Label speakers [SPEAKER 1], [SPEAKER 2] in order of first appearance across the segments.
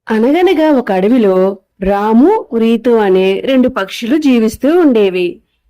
[SPEAKER 1] అనగనగా ఒక అడవిలో రాము, రీతు అనే రెండు పక్షులు జీవిస్తూ ఉండేవి.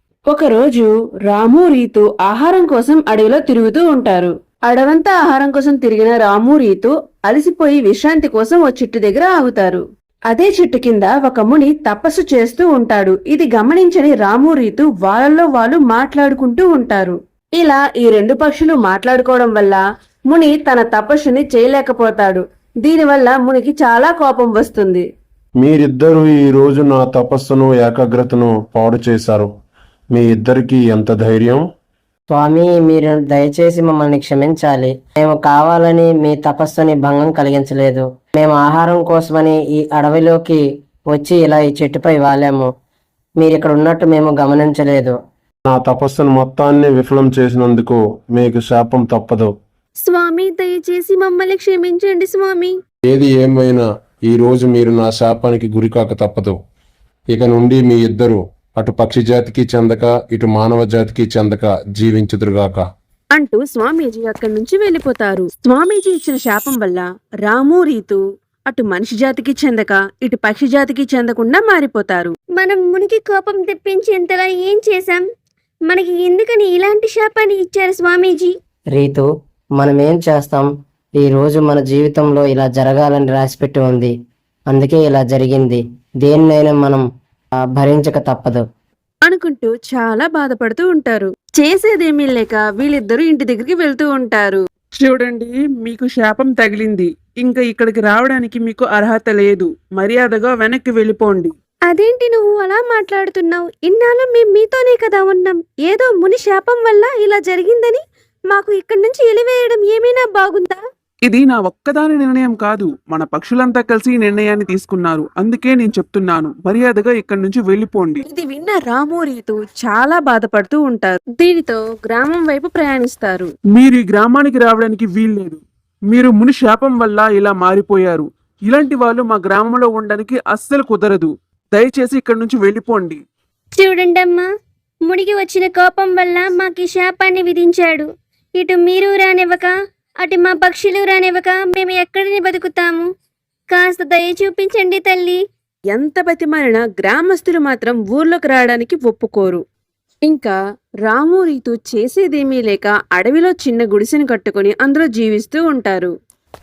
[SPEAKER 1] ఒకరోజు రాము, రీతు ఆహారం కోసం అడవిలో తిరుగుతూ ఉంటారు. అడవంతా ఆహారం కోసం తిరిగిన రాము, రీతు అలసిపోయి విశ్రాంతి కోసం ఓ చెట్టు దగ్గర ఆగుతారు. అదే చెట్టు కింద ఒక ముని తపస్సు చేస్తూ ఉంటాడు. ఇది గమనించని రాము, రీతు వాళ్ళల్లో వాళ్ళు మాట్లాడుకుంటూ ఉంటారు. ఇలా ఈ రెండు పక్షులు మాట్లాడుకోవడం వల్ల ముని తన తపస్సుని చేయలేకపోతాడు. దీనివల్ల మునికి చాలా కోపం వస్తుంది.
[SPEAKER 2] మీరిద్దరూ ఈ రోజు నా తపస్సును ఏకాగ్రతను పాడు చేశారు. మీ ఇద్దరికి ఎంత ధైర్యం?
[SPEAKER 3] స్వామి, మీరు దయచేసి మమ్మల్ని క్షమించాలి. మేము కావాలని మీ తపస్సుని భంగం కలిగించలేదు. మేము ఆహారం కోసమని ఈ అడవిలోకి వచ్చి ఇలా ఈ చెట్టుపై వాలాము. మీరు ఇక్కడ ఉన్నట్టు మేము గమనించలేదు.
[SPEAKER 2] నా తపస్సును మొత్తాన్ని విఫలం చేసినందుకు మీకు శాపం తప్పదు.
[SPEAKER 4] స్వామి, దయచేసి మమ్మల్ని క్షమించండి స్వామి.
[SPEAKER 2] ఏది ఏమైనా ఈ రోజు మీరు నా శాపానికి గురికాక తప్పదు. ఇక నుండి మీ ఇద్దరు అటు పక్షి జాతికి చెందక ఇటు మానవ జాతికి చెందక జీవించుదురుగాక
[SPEAKER 1] అంటూ స్వామీజీ అక్కడి నుంచి వెళ్లిపోతారు. స్వామీజీ ఇచ్చిన శాపం వల్ల రాము, రీతు అటు మనిషి జాతికి చెందక ఇటు పక్షి జాతికి చెందకుండా మారిపోతారు.
[SPEAKER 4] మనం మునికి కోపం తెప్పించేంతలా ఏం చేశాం? మనకి ఎందుకని ఇలాంటి శాపాన్ని ఇచ్చారు స్వామీజీ?
[SPEAKER 3] రీతు, మనం ఏం చేస్తాం? ఈ రోజు మన జీవితంలో ఇలా జరగాలని రాసిపెట్టి ఉంది. అందుకే ఇలా జరిగింది. దేన్నైనా మనం భరించక తప్పదు
[SPEAKER 1] అనుకుంటూ చాలా బాధపడుతూ ఉంటారు. చేసేదేమీ లేక వీళ్ళిద్దరూ ఇంటి దగ్గరికి వెళ్తూ ఉంటారు.
[SPEAKER 5] చూడండి, మీకు శాపం తగిలింది. ఇంకా ఇక్కడికి రావడానికి మీకు అర్హత లేదు. మర్యాదగా వెనక్కి వెళ్ళిపోండి.
[SPEAKER 4] అదేంటి నువ్వు అలా మాట్లాడుతున్నావు? ఇన్నాళ్ళు మేము మీతోనే కదా ఉన్నాం. ఏదో ముని శాపం వల్ల ఇలా జరిగిందని మాకు ఇక్కడి నుంచి ఎలివేయడం ఏమైనా బాగుందా?
[SPEAKER 5] ఇది నా ఒక్కదాని నిర్ణయం కాదు. మన పక్షులంతా కలిసి ఈ నిర్ణయాన్ని తీసుకున్నారు. అందుకే నేను చెప్తున్నాను, మర్యాదగా ఇక్కడి నుంచి వెళ్ళిపోండి.
[SPEAKER 1] ఇది విన్న రాము, రీతు చాలా బాధపడుతూ ఉంటారు. దీనితో గ్రామం వైపు ప్రయాణిస్తారు.
[SPEAKER 5] మీరు ఈ గ్రామానికి రావడానికి వీల్లేదు. మీరు ముని శాపం వల్ల ఇలా మారిపోయారు. ఇలాంటి వాళ్ళు మా గ్రామంలో ఉండడానికి అస్సలు కుదరదు. దయచేసి ఇక్కడి నుంచి వెళ్ళిపోండి.
[SPEAKER 4] చూడండమ్మా, మునికి వచ్చిన కోపం వల్ల మాకు ఈ శాపాన్ని విధించాడు. ఇటు మీరు రానివ్వక అటు మా పక్షులు రానివ్వక మేము ఎక్కడిని బతుకుతాము? కాస్త దయ చూపించండి తల్లి.
[SPEAKER 1] ఎంత బతిమాలినా గ్రామస్తులు మాత్రం ఊర్లోకి రావడానికి ఒప్పుకోరు. ఇంకా రాము, రీతు చేసేదేమీ లేక అడవిలో చిన్న గుడిసెను కట్టుకుని అందులో జీవిస్తూ ఉంటారు.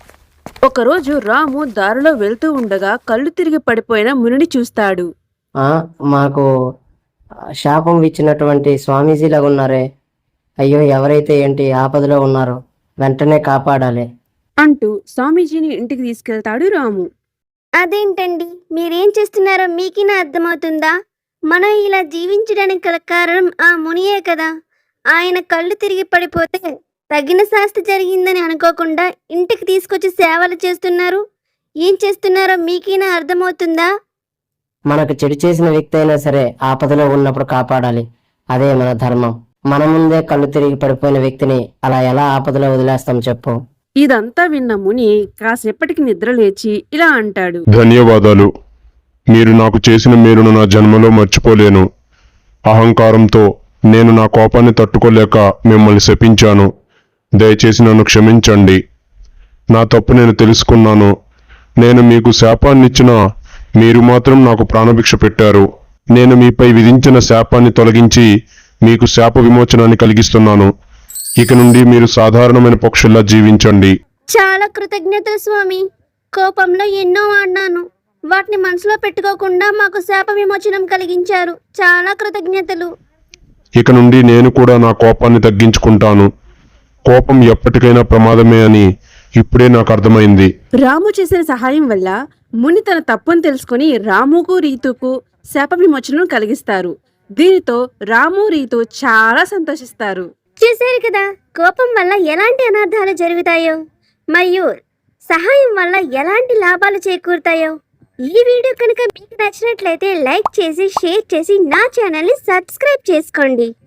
[SPEAKER 1] ఒకరోజు రాము దారిలో వెళ్తూ ఉండగా కళ్ళు తిరిగి పడిపోయిన మునిని చూస్తాడు.
[SPEAKER 3] మాకు శాపం ఇచ్చినటువంటి స్వామీజీలాగా ఉన్నారే. అయ్యో, ఎవరైతే ఏంటి ఆపదలో ఉన్నారో వెంటనే కాపాడాలి
[SPEAKER 1] అంటూ స్వామీజీని ఇంటికి తీసుకెళ్తాడు రాము.
[SPEAKER 4] అదేంటండి, మీరేం చేస్తున్నారో మీకినా అర్థమవుతుందా? మనం ఇలా జీవించడానికి గల కారణం ఆ మునియే కదా. ఆయన కళ్ళు తిరిగి పడిపోతే తగిన శాస్తి జరిగిందని అనుకోకుండా ఇంటికి తీసుకొచ్చి సేవలు చేస్తున్నారు. ఏం చేస్తున్నారో మీకినా అర్థమవుతుందా?
[SPEAKER 3] మనకు చెడు చేసిన వ్యక్తి అయినా సరే ఆపదలో ఉన్నప్పుడు కాపాడాలి. అదే మన ధర్మం. మన ముందే కళ్ళు తిరిగి పడిపోయిన వ్యక్తిని అలా ఎలా ఆపదలో వదిలేస్తాం చెప్పు?
[SPEAKER 1] ఇదంతా విన్న ముని కాసేపటికి నిద్ర లేచి ఇలా అంటాడు.
[SPEAKER 2] ధన్యవాదాలు. మీరు నాకు చేసిన మేలును నా జన్మలో మర్చిపోలేను. అహంకారంతో నేను నా కోపాన్ని తట్టుకోలేక మిమ్మల్ని శపించాను. దయచేసి నన్ను క్షమించండి. నా తప్పు నేను తెలుసుకున్నాను. నేను మీకు శాపాన్నిచ్చినా మీరు మాత్రం నాకు ప్రాణభిక్ష పెట్టారు. నేను మీపై విధించిన శాపాన్ని తొలగించి మీకు శాప విమోచనాన్ని కలిగిస్తున్నాను. ఇక నుండి మీరు సాధారణమైన పక్షుల్లా జీవించండి.
[SPEAKER 4] చాలా కృతజ్ఞతలు స్వామి. కోపంలో ఎన్నో ఆడినాను. వాటిని మనసులో పెట్టుకోకుండా మాకు శాప విమోచనం కలిగించారు. చాలా కృతజ్ఞతలు.
[SPEAKER 2] ఇక నుండి నేను కూడా నా కోపాన్ని తగ్గించుకుంటాను. కోపం ఎప్పటికైనా ప్రమాదమే అని ఇప్పుడే నాకు అర్థమైంది.
[SPEAKER 1] రాము చేసిన సహాయం వల్ల ముని తన తప్పును తెలుసుకుని రాముకు, రీతుకు శాప విమోచనం కలిగిస్తారు. దీనితో రాము, రీతు చాలా సంతోషిస్తారు.
[SPEAKER 4] చూశారు కదా, కోపం వల్ల ఎలాంటి అనర్థాలు జరుగుతాయో మరియు సహాయం వల్ల ఎలాంటి లాభాలు చేకూరుతాయో. ఈ వీడియో కనుక మీకు నచ్చినట్లయితే లైక్ చేసి, షేర్ చేసి నా ఛానల్ని సబ్స్క్రైబ్ చేసుకోండి.